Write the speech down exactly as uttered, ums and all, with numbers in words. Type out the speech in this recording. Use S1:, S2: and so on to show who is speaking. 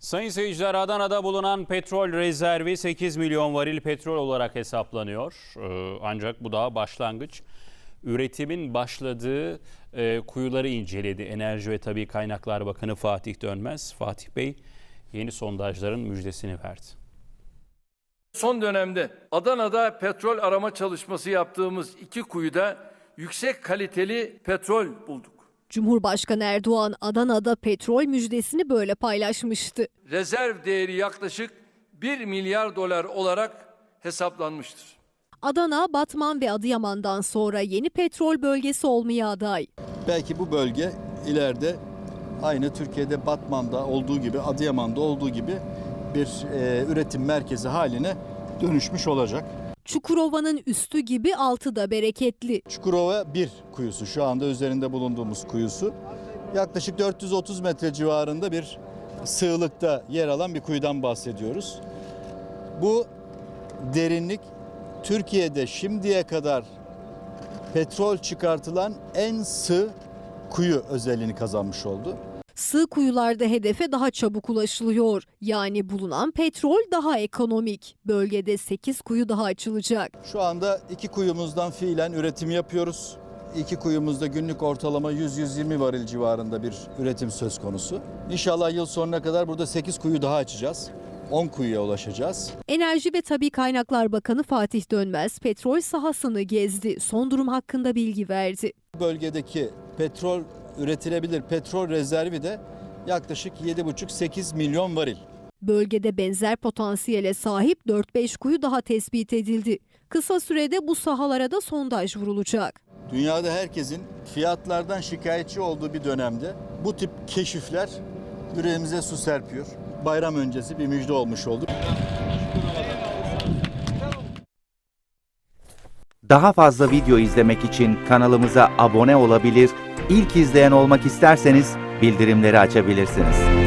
S1: Sayın seyirciler, Adana'da bulunan petrol rezervi sekiz milyon varil petrol olarak hesaplanıyor. Ee, ancak bu daha başlangıç. Üretimin başladığı e, kuyuları inceledi Enerji ve Tabii Kaynaklar Bakanı Fatih Dönmez. Fatih Bey yeni sondajların müjdesini verdi.
S2: Son dönemde Adana'da petrol arama çalışması yaptığımız iki kuyuda yüksek kaliteli petrol bulduk.
S3: Cumhurbaşkanı Erdoğan Adana'da petrol müjdesini böyle paylaşmıştı.
S2: Rezerv değeri yaklaşık bir milyar dolar olarak hesaplanmıştır.
S3: Adana, Batman ve Adıyaman'dan sonra yeni petrol bölgesi olmaya aday.
S4: Belki bu bölge ileride aynı Türkiye'de Batman'da olduğu gibi, Adıyaman'da olduğu gibi bir e, üretim merkezi haline dönüşmüş olacak.
S3: Çukurova'nın üstü gibi altı da bereketli.
S4: Çukurova bir kuyusu, şu anda üzerinde bulunduğumuz kuyusu. Yaklaşık dört yüz otuz metre civarında bir sığlıkta yer alan bir kuyudan bahsediyoruz. Bu derinlik Türkiye'de şimdiye kadar petrol çıkartılan en sığ kuyu özelliğini kazanmış oldu.
S3: Sığ kuyularda hedefe daha çabuk ulaşılıyor. Yani bulunan petrol daha ekonomik. Bölgede sekiz kuyu daha açılacak.
S4: Şu anda iki kuyumuzdan fiilen üretim yapıyoruz. İki kuyumuzda günlük ortalama yüz yüz yirmi varil civarında bir üretim söz konusu. İnşallah yıl sonuna kadar burada sekiz kuyu daha açacağız. on kuyuya ulaşacağız.
S3: Enerji ve Tabii Kaynaklar Bakanı Fatih Dönmez petrol sahasını gezdi. Son durum hakkında bilgi verdi.
S4: Bölgedeki petrol üretilebilir petrol rezervi de yaklaşık yedi buçuk sekiz milyon varil.
S3: Bölgede benzer potansiyele sahip dört beş kuyu daha tespit edildi. Kısa sürede bu sahalara da sondaj vurulacak.
S4: Dünyada herkesin fiyatlardan şikayetçi olduğu bir dönemde bu tip keşifler yüreğimize su serpiyor. Bayram öncesi bir müjde olmuş oldu.
S5: Daha fazla video izlemek için kanalımıza abone olabilir, ilk izleyen olmak isterseniz bildirimleri açabilirsiniz.